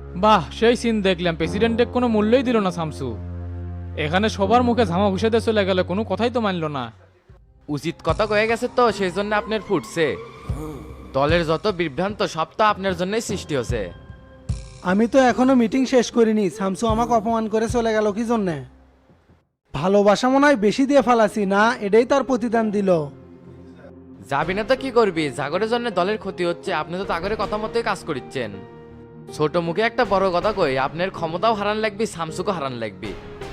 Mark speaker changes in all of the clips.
Speaker 1: বাহ, সেই সিন দেখলাম, প্রেসিডেন্টের কোনো মূল্যই দিল না শামসু। এখানে সবার মুখে ঝামা ঘুষেতে চলে গেল, কোনো কথাই তো মানলো না।
Speaker 2: উচিত কথা কয়ে গেছে তো সেই জন্য আপনার ফুটছে। দলের যত বিভ্রান্ত সব তো আপনার জন্যই সৃষ্টি হচ্ছে।
Speaker 3: আমি তো এখনো মিটিং শেষ করিনি, শামসু আমাকে অপমান করে চলে গেল কি জন্যে? ভালোবাসা মনে হয় বেশি দিয়ে ফালাসি না, এটাই তার প্রতিদান দিল।
Speaker 2: যাবি না তো কি করবি? জাগরের জন্য দলের ক্ষতি হচ্ছে, আপনি তো তাগরের কথা মতোই কাজ করিচ্ছেন। ছোট মুখে একটা বড় কথা কই, আপনার ক্ষমতাও হারান লাগবে, শামসুকে হারান লাগবে।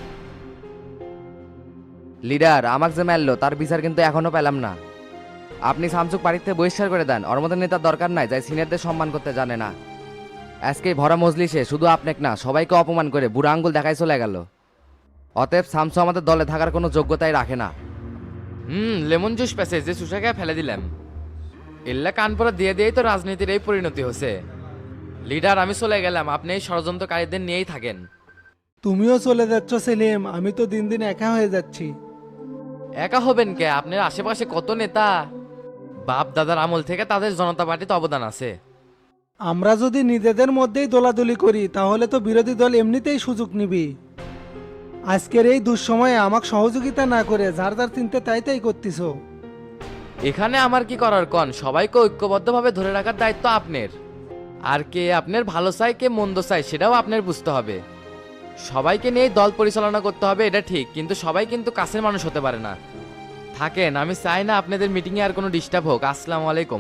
Speaker 4: লিডার আমাকে যে মারলো তার বিচার কিন্তু এখনো পেলাম না। আপনি শামসুক বাড়িতে বহিষ্কার করে দেন, ওর মধ্যে নেতার দরকার নাই যাই সিনিয়রদের সম্মান করতে জানে না। আজকে ভরা মজলিসে শুধু আপনাকে না সবাইকে অপমান করে বুড়া আঙ্গুল দেখাই চলে গেল। অতএব শামসু আমাদের দলে থাকার কোনো যোগ্যতাই রাখে না।
Speaker 2: লেমন জুস পেছে যে সুশাকে ফেলে দিলাম। এল্লা কানপুরা দিয়ে দিয়েই তো রাজনীতির এই পরিণতি হচ্ছে। লিডার আমি চলে গেলাম, আপনি এই ষড়যন্ত্রকারীদের নিয়েই থাকেন।
Speaker 3: তুমিও চলে যাচ্ছ সেলিম, আমি তো দিন দিন একা হয়ে যাচ্ছি।
Speaker 2: একা হবেন কে? আপনার আশেপাশে কত নেতা, বাপ দাদার আমল থেকে তাদের জনতা পার্টিতে অবদান আছে।
Speaker 3: আমরা যদি নিজেদের মধ্যেই দোলাদলি করি তাহলে তো বিরোধী দল এমনিতেই সুযোগ নিবি। আজকের এই দুঃসময়ে আমাকে সহযোগিতা না করে যার যার চিনতে তাই তাই করতিস।
Speaker 2: এখানে আমার কি করার কন? সবাইকে ঐক্যবদ্ধভাবে ধরে রাখার দায়িত্ব আপনার। আর কে আপনার ভালো চাই কে মন্দ চাই সেটাও আপনার বুঝতে হবে। সবাইকে নিয়ে দল পরিচালনা করতে হবে এটা ঠিক, কিন্তু সবাই কিন্তু কাছের মানুষ হতে পারে না। থাকেন, আমি চাই না আপনাদের মিটিংয়ে আর কোনো ডিস্টার্ব হোক। আসসালামু আলাইকুম।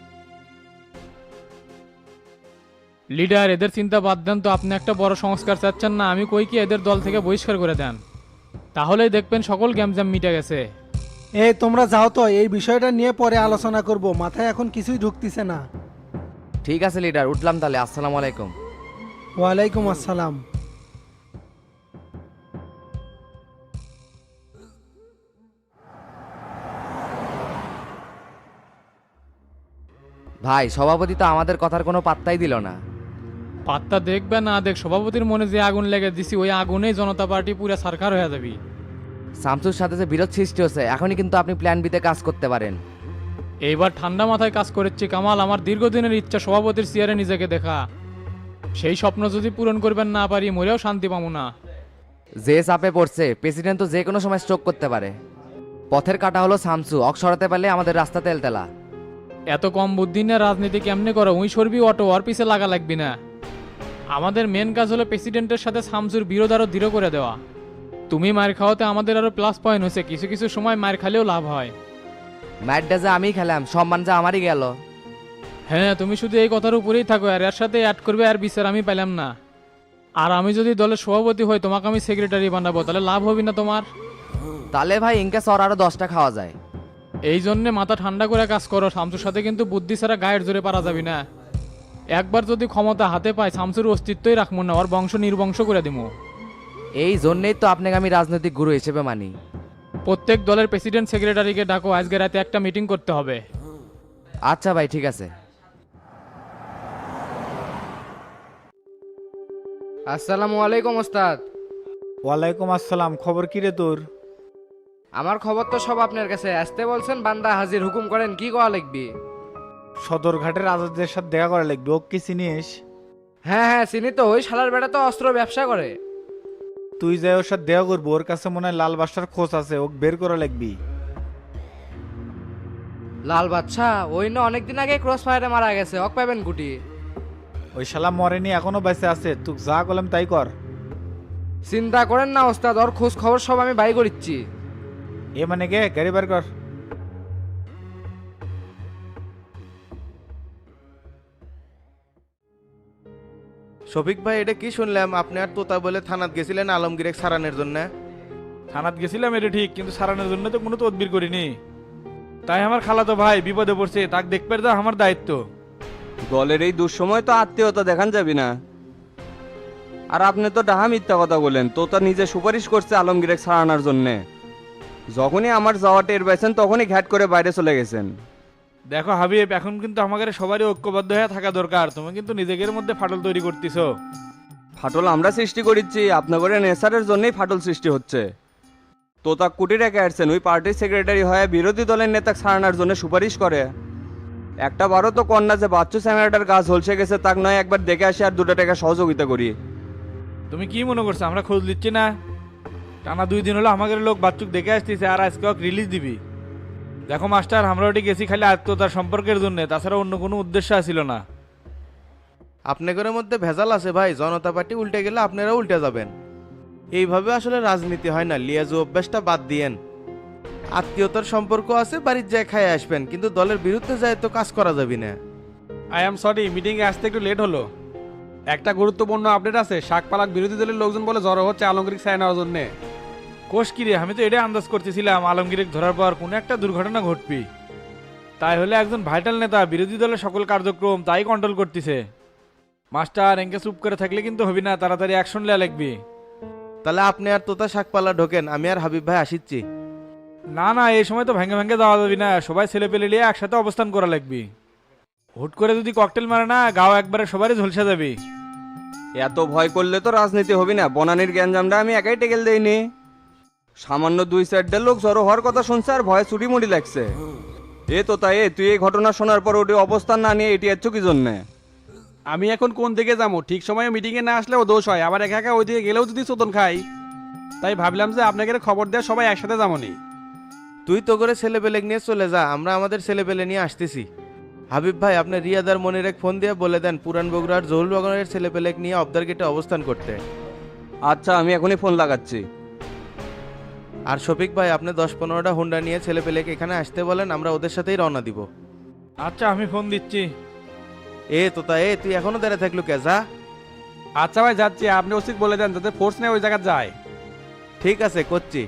Speaker 1: লিডার, এদের চিন্তা বাদ দেন তো, আপনি একটা বড় সংস্কার চাচ্ছেন না? আমি কই কি এদের দল থেকে বহিষ্কার করে দেন, তাহলেই দেখবেন সকল গ্যামজাম মিটে গেছে।
Speaker 3: এই তোমরা যাও তো, এই বিষয়টা নিয়ে পরে আলোচনা করব, মাথায় এখন কিছুই ঢুকতিছে না।
Speaker 4: ঠিক আছে লিডার, উঠলাম তাহলে। আসসালামু আলাইকুম।
Speaker 3: ওয়ালাইকুম আসসালাম।
Speaker 4: ভাই সভাপতি তো আমাদের কথার কোনো পাত্তাই দিল না।
Speaker 1: পাত্তা দেখবে না দেখ, সভাপতির মনে যে আগুন লেগে দিছি ওই আগুনেই জনতা পার্টি পুরো সরকার হয়ে যাবি।
Speaker 4: শামসুর সাথে যে বিরোধ সৃষ্টি হচ্ছে, এখনই কিন্তু আপনি প্ল্যান বিতে কাজ করতে পারেন।
Speaker 1: এইবার ঠান্ডা মাথায় কাজ করেছি কামাল, আমার দীর্ঘদিনের ইচ্ছা সভাপতির চেয়ারে নিজেকে দেখা। সেই স্বপ্ন যদি পূরণ করবেন না পারি মরেও শান্তি পাবো না।
Speaker 4: যে চাপে পড়ছে, প্রেসিডেন্ট তো যে কোনো সময় স্ট্রোক করতে পারে। পথের কাটা হলো শামসু, অক সরাতে পারলে আমাদের রাস্তা তেলতেলা।
Speaker 1: এত কম বুদ্ধি নিয়ে রাজনীতি কেমনে করো? উই সরবি অটো, ওর পিছে লাগা লাগবি না। আমাদের মেন কাজ হলো প্রেসিডেন্টের সাথে শামসুর বিরোধ আরো দৃঢ় করে দেওয়া। তুমি মার খাওয়াতে আমাদের আরো প্লাস পয়েন্ট হয়েছে, কিছু কিছু সময় মার খালেও লাভ হয়।
Speaker 4: ম্যাচটা যে আমি খেলাম, সম্মান যা আমারই গেল।
Speaker 1: হ্যাঁ, তুমি শুধু এই কথার উপরেই থাকো, আর এর সাথে অ্যাড করবে, আর বিচার আমি পেলাম না। আর আমি যদি দলের সভাপতি হই, তোমাকে আমি সেক্রেটারি বানাবো, তাহলে লাভ হবে না তোমার?
Speaker 4: তাহলে ভাই ইনকে সর আরো 10টা খাওয়া যায়।
Speaker 1: এই জন্যে মাথা ঠান্ডা করে কাজ করো। শামসুর সাথে কিন্তু বুদ্ধি ছাড়া গায়ের জোরে পারা যাবে না। একবার যদি ক্ষমতা হাতে পায় শামসুর অস্তিত্বই রাখবো না, ওর বংশ নির্বংশ করে দিব।
Speaker 4: এই জন্যই তো আপনাকে আমি রাজনৈতিক গুরু হিসেবে মানি।
Speaker 1: প্রত্যেক দলের প্রেসিডেন্ট সেক্রেটারিকে ডাকো, আজকে রাতে একটা মিটিং করতে হবে।
Speaker 4: আচ্ছা ভাই, ঠিক আছে।
Speaker 5: আসসালামু আলাইকুম ওস্তাদ।
Speaker 6: ওয়ালাইকুম আসসালাম। খবর কি রে তোর?
Speaker 5: আমার খবর তো সব আপনার কাছে। আসতে বলছেন, বান্দা হাজির, হুকুম করেন, কি করা লাগবে?
Speaker 6: সদরঘাটের আজাদের সাথে দেখা করা লাগবে। ও কি চিনিস?
Speaker 5: হ্যাঁ হ্যাঁ চিনি তো, ওই শালার বেটা তো অস্ত্র ব্যবসা করে।
Speaker 6: তুই যাই ওর সাথে দেখা করবো, ওর কাছে মনে হয় লাল বাসার খোঁজ আছে, ওকে বের করা লাগবি।
Speaker 5: লাল বাচ্চা ওই না অনেকদিন আগে ক্রস ফায়ারে মারা গেছে, অক পাবেন গুটি।
Speaker 6: ওই শালা মরেনি, এখনো বেঁচে আছে। তুই যা করলাম তাই কর।
Speaker 5: চিন্তা করেন না ওস্তাদ, ওর খোঁজ খবর সব আমি বাই করিচ্ছি।
Speaker 6: এ মানে কে? গাড়ি বার কর।
Speaker 7: শফিক ভাই, এটা কি শুনলাম? আপনি আর তোতা বলে থানাত গেছিলেন আলমগীরের সারানের জন্য?
Speaker 8: থানাত গেছিলাম এটা ঠিক, কিন্তু সারানোর জন্য তো কোনো তদবির করিনি। তাই আমার খালাতো ভাই বিপদে পড়ছে, তাকে দেখবে দা আমার দায়িত্ব।
Speaker 9: দলের এই দুঃসময় তো আত্মীয়তা দেখান যাবি না। আর আপনি তো ডাহা মিথ্যা কথা বলেন, তো তা নিজে সুপারিশ করছে আলমগীরের ছাড়ানোর জন্যে। যখনই আমার যাওয়া টের পাইছেন তখনই ঘ্যাট করে বাইরে চলে গেছেন।
Speaker 8: দেখো হাবিব, এখন কিন্তু আমাদের সবারই ঐক্যবদ্ধ হয়ে থাকা দরকার। তুমি কিন্তু নিজেদের মধ্যে ফাটল তৈরি করতেছো।
Speaker 9: ফাটল আমরা সৃষ্টি করিচ্ছি, আপনাদের নেসারের জন্যই ফাটল সৃষ্টি হচ্ছে। তোতা কুটি রেখে আসছেন, ওই পার্টির সেক্রেটারি হয়ে বিরোধী দলের নেতা ছাড়ানোর জন্য সুপারিশ করে। একটা বারও তো কন্যা যে বাচ্চু স্যাংরাটার গাছ ঝলসে গেছে তাক নয় একবার দেখে আসি আর 2 টাকা সহযোগিতা করি।
Speaker 8: তুমি কি মনে করছো আমরা খোঁজ নিচ্ছি না? টানা 2 দিন হলো আমাদের লোক বাচ্চুক দেখে আসতেছে আর আজকে রিলিজ দিবি। দেখো মাস্টার, আমরা ওটি গেছি খালি আত্মীয়তার সম্পর্কের জন্য, তাছাড়া অন্য কোনো উদ্দেশ্য ছিল না।
Speaker 7: আপনাদের মধ্যে ভেজাল আছে ভাই, জনতা পার্টি উল্টে গেলে আপনারা উল্টে যাবেন। এইভাবে আসলে রাজনীতি হয় না, লিয়াজু অভ্যাসটা বাদ দিয়েন। আত্মীয়তার সম্পর্ক আছে, বাড়ির যায় খায় আসবেন, কিন্তু দলের বিরুদ্ধে যায় তো কাজ করা যাবে না।
Speaker 10: আই এম সরি, মিটিংয়ে আসতে একটু লেট হলো। একটা গুরুত্বপূর্ণ আপডেট আছে, শাকপালাক বিরোধী দলের লোকজন বলে জড়ো হচ্ছে আলমগীর ছায়া নেওয়ার জন্য।
Speaker 8: কোষ কিরে, আমি তো এটাই আন্দাজ করতেছিলাম আলমগীরের ধরার পর কোনো একটা দুর্ঘটনা ঘটবি। তাই হলে একজন ভাইটাল নেতা বিরোধী দলের সকল কার্যক্রম তাই কন্ট্রোল করতেছে। মাস্টার, এঙ্কে চুপ করে থাকলে কিন্তু হবি না, তাড়াতাড়ি অ্যাকশন নেওয়া লাগবে।
Speaker 7: তাহলে আপনি আর তোতা শাকপালা ঢোকেন, আমি আর হাবিব ভাই আসিচ্ছি।
Speaker 8: না না, এই সময় তো ভেঙে ভেঙে যাওয়া যাবি না, সবাই ছেলে পেলে নিয়ে একসাথে অবস্থান করা লাগবে। হুট করে যদি ককটেল মারে না, গাও একবারে সবারই ঝলসে যাবে।
Speaker 9: এত ভয় করলে তো রাজনীতি হবে না। বনানির গ্যাঞ্জামটা আমি একাই টেকেল দেইনি, সামান্য 2-4 লোক জড়ো হওয়ার কথা শুনছে আর ভয়ে চুরি মুড়ি লাগছে। এ তো তাই, তুই এই ঘটনা শোনার পর ওটি অবস্থান না নিয়ে এটি এত কি জন্যে?
Speaker 10: আমি এখন কোন দিকে যাবো? ঠিক সময়ে মিটিংয়ে না আসলেও দোষ হয়, আবার একা একা ওই দিকে গেলেও যদি চোদন খাই। তাই ভাবলাম যে আপনাকে খবর দেওয়া, সবাই একসাথে যাবনি।
Speaker 7: তুই তো করে ছেলে পেলে নিয়ে চলে যা, আমরা আমাদের ছেলে পেলে নিয়ে আসতেছি। হাবিব ভাই, আপনি রিয়াদার মনির এক ফোন দিয়ে বলে দেন পুরান বগুড়ার জহুল বাগানের ছেলে পেলে নিয়ে অবদার গেটে অবস্থান করতে।
Speaker 9: আচ্ছা, আমি এখনই ফোন লাগাচ্ছি।
Speaker 7: আর শফিক ভাই, আপনি 10-15টা হুন্ডা নিয়ে ছেলে পেলেকে এখানে আসতে বলেন, আমরা ওদের সাথেই রওনা দিব।
Speaker 8: আচ্ছা, আমি ফোন দিচ্ছি।
Speaker 7: তোতা তুই এখনো দাঁড়িয়ে থাকলো কে, যা।
Speaker 10: আচ্ছা ভাই, যাচ্ছি। আপনি ওসিক বলে দেন যাতে ফোর্স নিয়ে ওই জায়গায় যায়।
Speaker 7: ঠিক আছে, করছি।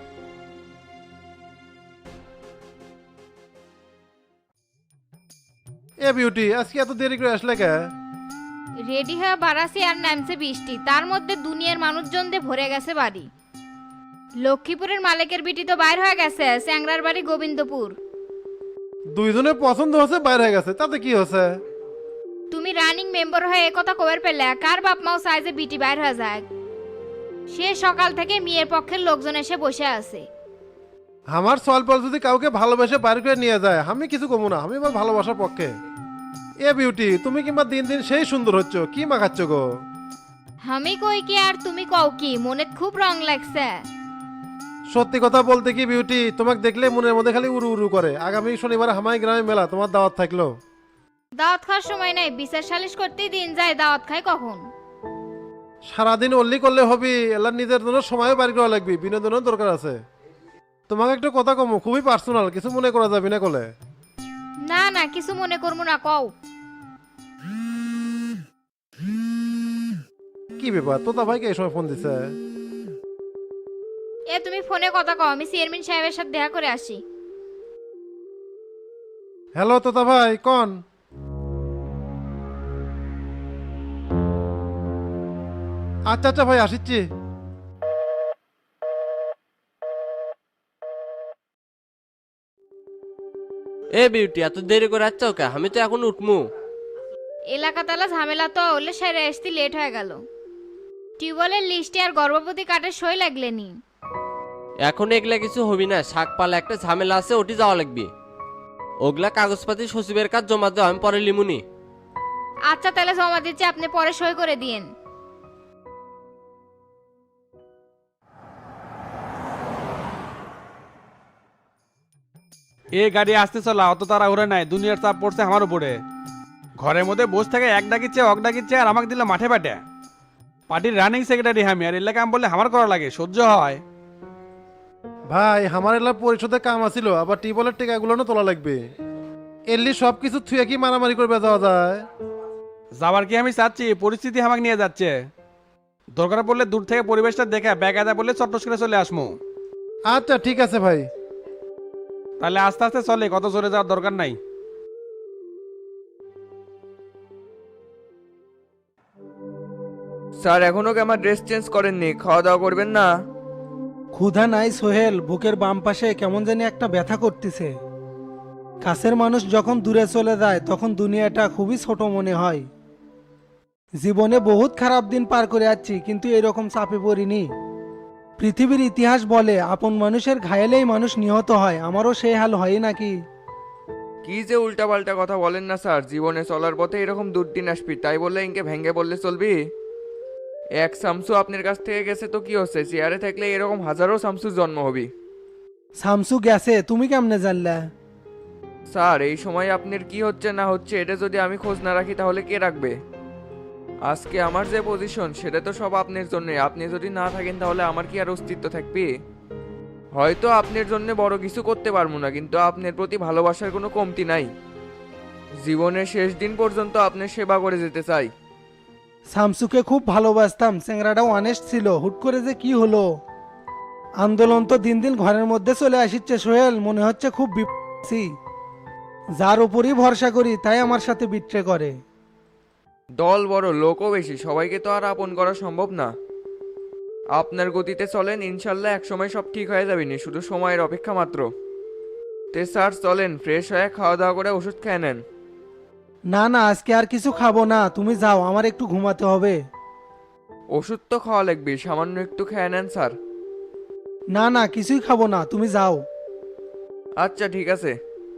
Speaker 11: এ বিউটি, আজকে এত দেরি করে আসলে কে?
Speaker 12: রেডি হয়ে বারাসি আর নামছে বৃষ্টি, তার মধ্যে দুনিয়ার মানুষজন দিয়ে ভরে গেছে বাড়ি। লক্ষ্মীপুরের মালিকের বিটি তো বাইর হয়ে গেছে, স্যাংরার বাড়ি গোবিন্দপুর।
Speaker 11: দুইজনের পছন্দ হচ্ছে, বাইরে হয়ে গেছে, তাতে কি হচ্ছে?
Speaker 12: তুমি রানিং মেম্বার হয়ে একথা কবার পেলে? কার বাপ মাও চায় যে বিটি বাইর হয়ে যায়? সে সকাল থেকে মেয়ের পক্ষের লোকজন এসে বসে আছে।
Speaker 11: আমার সলপল যদি কাউকে ভালোবেসে বাইরে করে নিয়ে যায়, আমি কিছু কমু না, আমি আমার ভালোবাসার পক্ষে। এ বিউটি, তুমি কিংবা দিন দিন সেই সুন্দর হচ্ছ, কি মাখাচ্ছ গো?
Speaker 12: আমি কই কি আর তুমি কও কি? মনে খুব রং লাগছে।
Speaker 11: সত্যি কথা বলতে কি বিউটি, তোমাকে দেখলে মনের মধ্যে খালি উড়ু উড়ু করে। আগামী শনিবার হামাই গ্রামে মেলা, তোমার দাওয়াত থাকলো।
Speaker 12: দাওয়াত খাওয়ার সময় নাই, বিচার সালিশ করতেই দিন যায়, দাওয়াত খাই কখন?
Speaker 11: সারাদিন অল্লি করলে হবি, এলার নিজের জন্য সময়ও বাড়ি করা লাগবে, বিনোদনের দরকার আছে। তোমাকে একটা কথা কমো, খুবই পার্সোনাল, কিছু মনে করা যাবে না কলে।
Speaker 12: না না, কিছু মনে করবো না, কও।
Speaker 11: কি ব্যাপার, তোতা ভাইকে এই সময় ফোন দিছে?
Speaker 12: তুমি ফোনে কথা কও, আমি চেয়ারম্যান সাহেবের সাথে দেখা করে আসি।
Speaker 11: হ্যালো তোতা ভাই, কোন? আচ্ছা আচ্ছা ভাই, আসিচ্ছি।
Speaker 5: এ বিউটি, এত দেরি করে আসছো কে? আমি তো এখন উঠমু।
Speaker 12: এলাকা তালা ঝামেলা তো হলে সেরে আসতে লেট হয়ে গেল। টিউবওয়েলের লিস্টে আর গর্ভবতী কার্ডের সই লাগলেনি।
Speaker 5: এখন এগুলা কিছু হবি না, শাকপালা একটা ঝামেলা আছে, ওটি যাওয়া লাগবে। ওগুলা কাগজপাতি সচিবের কাজ জমা দেওয়া, আমি পরে লিমুনি।
Speaker 12: আচ্ছা, তাহলে জমা দিচ্ছি, আপনি পরে সই করে দিয়েন।
Speaker 10: এ গাড়ি আসতে চলা, অত তাড়াহুড়া নাই, দুনিয়ার চাপ পড়ছে আমার উপরে। ঘরের মধ্যে বসে থাকে এক ডাকিচ্ছে অক ডাকিচ্ছে, আর আমাকে দিল মাঠে পাটে। পার্টির রানিং সেক্রেটারি আমি, আর এলাকা আমি বললে আমার করা লাগে, সহ্য হয়?
Speaker 11: ভাই, আমার এলার পরিষদে কাম আছিল, আবার টিউবওয়েলের টেকাগুলো তোলা লাগবে। এলি সব কিছু থুয়ে কি মারামারি করবে যাওয়া যায়?
Speaker 10: যাবার কি আমি চাচ্ছি, পরিস্থিতি আমাকে নিয়ে যাচ্ছে। দরকার পড়লে দূর থেকে পরিবেশটা দেখে ব্যাগাদা বললে চট্টস করে চলে আসমু।
Speaker 11: আচ্ছা ঠিক আছে ভাই।
Speaker 10: তাহলে আস্তে আস্তে চলে, কত জোরে যাওয়ার দরকার নাই।
Speaker 9: স্যার, এখনো কি আমার ড্রেস চেঞ্জ করেননি? খাওয়া দাওয়া করবেন না?
Speaker 3: ক্ষুধা নাই সোহেল, বুকের বাম পাশে কেমন জানি একটা ব্যথা করতেছে। কাছের মানুষ যখন দূরে চলে যায় তখন দুনিয়াটা খুবই ছোট মনে হয়। জীবনে বহুত খারাপ দিন পার করে যাচ্ছি, কিন্তু এরকম চাপে পড়িনি। পৃথিবীর ইতিহাস বলে আপন মানুষের ঘায়েলেই মানুষ নিহত হয়, আমারও সেই হাল হয় নাকি?
Speaker 9: কি যে উল্টাপাল্টা কথা বলেন না স্যার, জীবনে চলার পথে এরকম দুর্দিন আসবি তাই বললে ইনকে ভেঙে বললে চলবি? এক শামসু আপনার কাছ থেকে গেছে তো কি হচ্ছে, চেয়ারে থাকলে এরকম হাজারো শামসুর জন্ম হবি।
Speaker 3: শামসু গেছে, তুমি কেমনে জানলা?
Speaker 9: স্যার এই সময় আপনার কি হচ্ছে না হচ্ছে এটা যদি আমি খোঁজ না রাখি তাহলে কে রাখবে? আজকে আমার যে পজিশন সেটা তো সব আপনার জন্যে, আপনি যদি না থাকেন তাহলে আমার কি আর অস্তিত্ব থাকবে? হয়তো আপনার জন্য বড় কিছু করতে পারবো না, কিন্তু আপনার প্রতি ভালোবাসার কোনো কমতি নাই। জীবনের শেষ দিন পর্যন্ত আপনার সেবা করে যেতে চাই।
Speaker 3: শামসুকে খুব ভালোবাসতাম, চ্যাংরাটাও অনেস্ট ছিল, হুট করে যে কি হলো। আন্দোলন তো দিন দিন ঘরের মধ্যে চলে আসছে সোহেল, মনে হচ্ছে খুব বিপদী। যার উপরই ভরসা করি তাই আমার সাথে বিট্রে করে।
Speaker 9: দল বড়, লোকও বেশি, সবাইকে তো আর আপন করা সম্ভব না। আপনার গতিতে চলেন, ইনশাল্লাহ একসময় সব ঠিক হয়ে যাবে, শুধু সময়ের অপেক্ষা মাত্র। তে স্যার চলেন, ফ্রেশ হয়ে খাওয়া দাওয়া করে ওষুধ খেয়ে নেন।
Speaker 3: না না, আজকে আর কিছু খাবো না, তুমি যাও, আমার একটু ঘুমাতে হবে।
Speaker 9: ওষুধ তো খাওয়া লাগবে, সামান্য একটু খেয়ে নেন স্যার।
Speaker 3: না না, কিছুই খাবো না, তুমি যাও।
Speaker 9: আচ্ছা ঠিক আছে।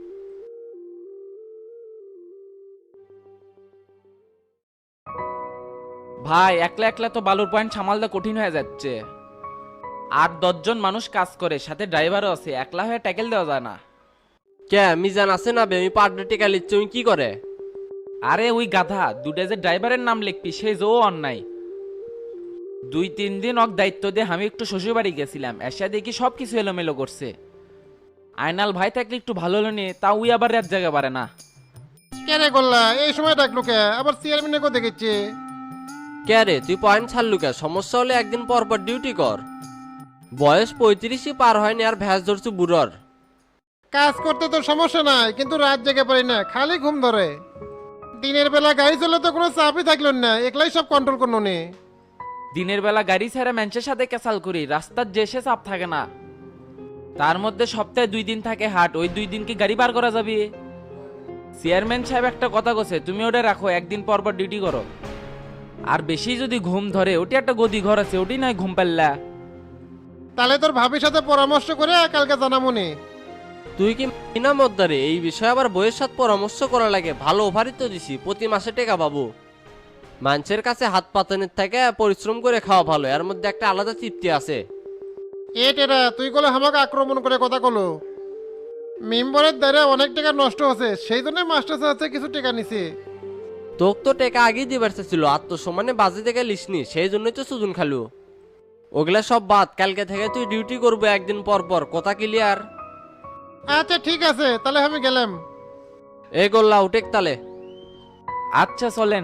Speaker 13: ভাই একলা একলা তো বালুর পয়েন্ট সামালদা কঠিন হয়ে যাচ্ছে। 8-10 জন মানুষ কাজ করে, সাথে ড্রাইভারও আছে, একলা হয়ে ট্যাকেল দেওয়া যায় না।
Speaker 5: কে মিজান আছে না বে, আমি পার্টনার টিকা লিচ্ছি, তুমি কি করে?
Speaker 13: আরে ওই গাধা দুটা যে ড্রাইভারের নাম লিখবি সেই যে অন্যায়। 2-3 দিন অক দায়িত্ব দিয়ে আমি একটু শ্বশুর বাড়ি গেছিলাম, এসে দেখি সব কিছু এলোমেলো করছে। আয়নাল ভাই থাকলে একটু ভালো হলো নি, তা ওই আবার রাত জায়গা পারে না।
Speaker 11: কেন করলা এই সময় ডাকলো কে? আবার চেয়ারম্যানে দেখেছি।
Speaker 5: কে রে তুই পয়েন্ট ছাড়লু কে? সমস্যা হলে একদিন পর পর ডিউটি কর। বয়স 35ই পার হয়নি আর ভ্যাস ধরছু বুড়োর।
Speaker 11: কাজ করতে তো সমস্যা নাই, কিন্তু রাত জেগে পারি না, খালি ঘুম ধরে। দিনের বেলা গাড়ি চলে তো কোনো চাপই থাকলো না, একলাই সব কন্ট্রোল করলো নে।
Speaker 13: দিনের বেলা গাড়ি ছেড়ে ম্যাঞ্চের সাথে ক্যাসাল করি, রাস্তার যে সে চাপ থাকে না। তার মধ্যে সপ্তাহে 2 দিন থাকে হাট, ওই 2 দিন কি গাড়ি পার করা যাবে? চেয়ারম্যান সাহেব একটা কথা কছে, তুমি ওটা রাখো, একদিন পর পর ডিউটি করো। আর বেশি যদি ঘুম ধরে, ওটি একটা গদি ঘর আছে, ওটি নয় ঘুম পাল্লা।
Speaker 11: তাহলে তোর ভাবির সাথে পরামর্শ করে কালকে জানাবো নে।
Speaker 5: তুই কি না মদ্দারে? এই বিষয়ে আবার বইয়ের সাথে পরামর্শ করা লাগে। ভালো অফারই তো দিছি, প্রতি মাসে টাকা পাবো। মানুষের কাছে হাত পাতানোর থেকে পরিশ্রম করে খাওয়া ভালো, এর মধ্যে একটা আলাদা তৃপ্তি আছে।
Speaker 11: এ টেরা, তুই কলে আমাকে আক্রমণ করে কথা কলো। মেম্বারের দ্বারা অনেক টাকা নষ্ট হচ্ছে, সেই জন্য মাস্টার সাথে কিছু টাকা নিছে।
Speaker 5: তোক তো টাকা আগেই দিবার ছিল, আত্মসম্মানে বাজে থেকে লিসনি, সেই জন্যই তো সুজন খালু। ওগুলা সব বাদ, কালকে থেকে তুই ডিউটি করবো একদিন পর পর, কথা ক্লিয়ার?
Speaker 11: আচ্ছা ঠিক আছে, তাহলে আমি গেলাম।
Speaker 5: এই গোল্লা উঠেক তালে।
Speaker 13: আচ্ছা চলেন।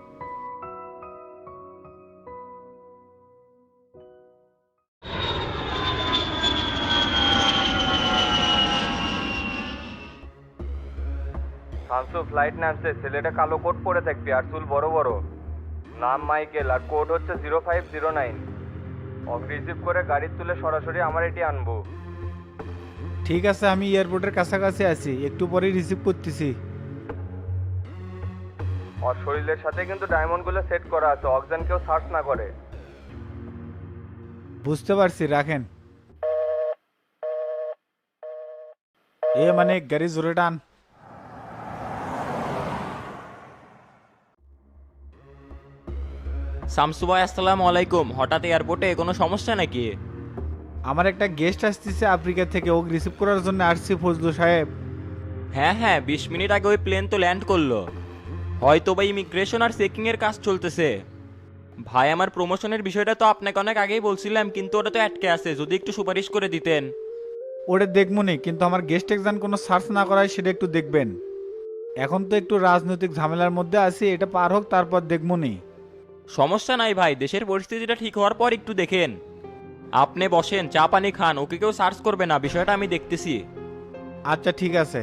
Speaker 9: শামসু ফ্লাইট নামছে, ছেলেটা কালো কোট পরে থাকবে আর চুল বড় বড়। নাম মাইকেল আর কোড হচ্ছে 0509। অফ রিসিভ করে গাড়ি তুলে সরাসরি আমার এটি আনবো।
Speaker 6: ঠিক আছে, আমি এয়ারপোর্টের কাছাকাছি আছি, একটু পরেই রিসিভ করতেছি।
Speaker 9: আর শরীরের সাথে কিন্তু ডায়মন্ডগুলো সেট করা আছে, অক্সিজেন কেউ সার্চ না করে।
Speaker 6: বুঝতে পারছি, রাখেন। এ মানে গাড়ি জোরে টান।
Speaker 13: শামসু ভাই আসসালামু আলাইকুম, হঠাৎ এয়ারপোর্টে কোনো সমস্যা নাকি?
Speaker 6: আমার একটা গেস্ট আসতেছে আফ্রিকা থেকে, ও রিসিভ করার জন্য আসছি ফজলু সাহেব।
Speaker 13: হ্যাঁ 20 মিনিট আগে ওই প্লেন তো ল্যান্ড করলো, হয়তো বা ইমিগ্রেশন আর চেকিং এর কাজ চলতেছে। ভাই আমার প্রমোশনের বিষয়টা তো আপনাকে অনেক আগেই বলছিলাম, কিন্তু ওটা তো আটকে আছে, যদি একটু সুপারিশ করে দিতেন।
Speaker 6: ওটা দেখবনি, কিন্তু আমার গেস্ট এক্সাম কোনো সার্চ না করায় সেটা একটু দেখবেন। এখন তো একটু রাজনৈতিক ঝামেলার মধ্যে আছি, এটা পার হোক তারপর দেখবনি।
Speaker 13: সমস্যা নাই ভাই, দেশের পরিস্থিতিটা ঠিক হওয়ার পর একটু দেখেন। আপনি বসেন, চা পানি খান, ওকে কেউ সার্চ করবে না, বিষয়টা আমি দেখতেছি।
Speaker 6: আচ্ছা ঠিক আছে।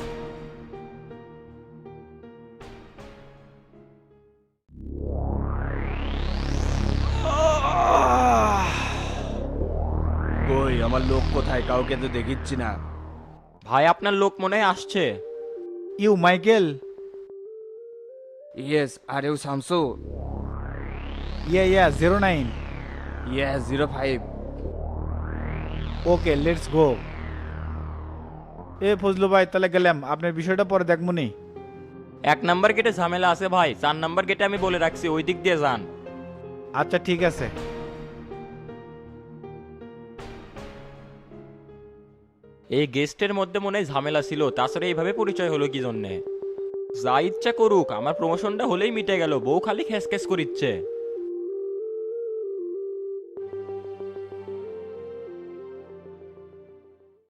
Speaker 10: কই আমার লোক কোথায়? কাউকে তো দেখিচ্ছি না।
Speaker 13: ভাই আপনার লোক মনে হয় আসছে।
Speaker 6: You Michael?
Speaker 4: Yes, are you Shamsu?
Speaker 6: Ya 09।
Speaker 4: Yes 05।
Speaker 6: Okay let's go. এ ফজলু ভাই তাহলে গেলাম, আপনার বিষয়টা পরে দেখমুনি।
Speaker 14: 1 নাম্বার গেটে ঝামেলা আছে ভাই, 4 নাম্বার গেটে আমি বলে রাখছি ওই দিক দিয়ে যান।
Speaker 6: আচ্ছা ঠিক আছে।
Speaker 14: এই গেস্টের মধ্যে মনে হয় ঝামেলা ছিল, তাছাড়া এইভাবে পরিচয় হলো কি জন্যে? যা ইচ্ছা করুক, আমার প্রমোশনটা হলেই মিটে গেল, বউ খালি খেস খেস করিচ্ছে।